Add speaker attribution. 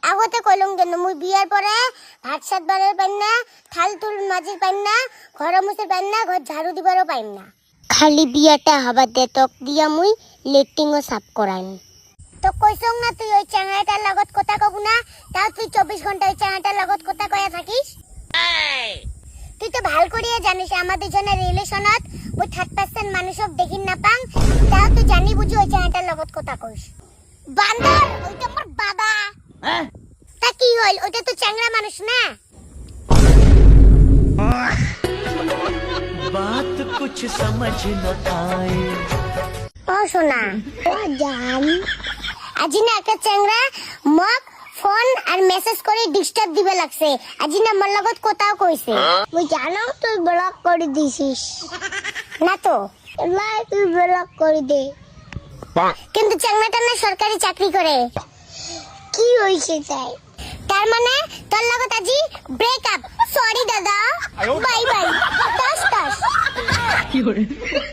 Speaker 1: আগতে কইলুম কেন মুই বিয়ার পরে ভাত সাত বারের পাইম না, থাল তুল মাজির পাইম না, ঘর মুছের পাইম না, ঘর ঝাড়ু দিবারও পাইম না। খালি বিয়াটা হবার দে তক দিয়া মুই লেট্রিনও সাফ করাইম। তো কইছং না তুই ওই চ্যাংড়াটার লগত কথা কব না, তাও তুই 24 ঘন্টা ওই চ্যাংড়াটার লগত কথা কয়া থাকিস। তুই তো ভাল করিয়া জানিস আমাদের দুজনের রিলেশনত ওই 30% মানুষক দেখিন না পাং, তাও তুই জানি বুঝি ওই চ্যাংড়াটার লগত কথা কইস। বান্দর ওইটা আমার বাবা। তা কি হইল, ওইটা তো চ্যাংড়া মানুষ না।
Speaker 2: बात कुछ समझ न आए।
Speaker 1: ও সোনা ও জান, আজি না একটা চ্যাংড়া মক ফোন আর মেসেজ করে ডিস্টার্ব দিবে লাগছে। আজি না আমার লগত কথাও কইছে। মুই জানো তুই ব্লক করে দিছিস না, তো লাই তুই ব্লক করে দে। কিন্তু চ্যাংড়াটা না সরকারি চাকরি করে। কি হইছে তাই? তার মানে তোর লগত আজি ব্রেকআপ। সরি দাদা, বাই বাই, টাস টাস।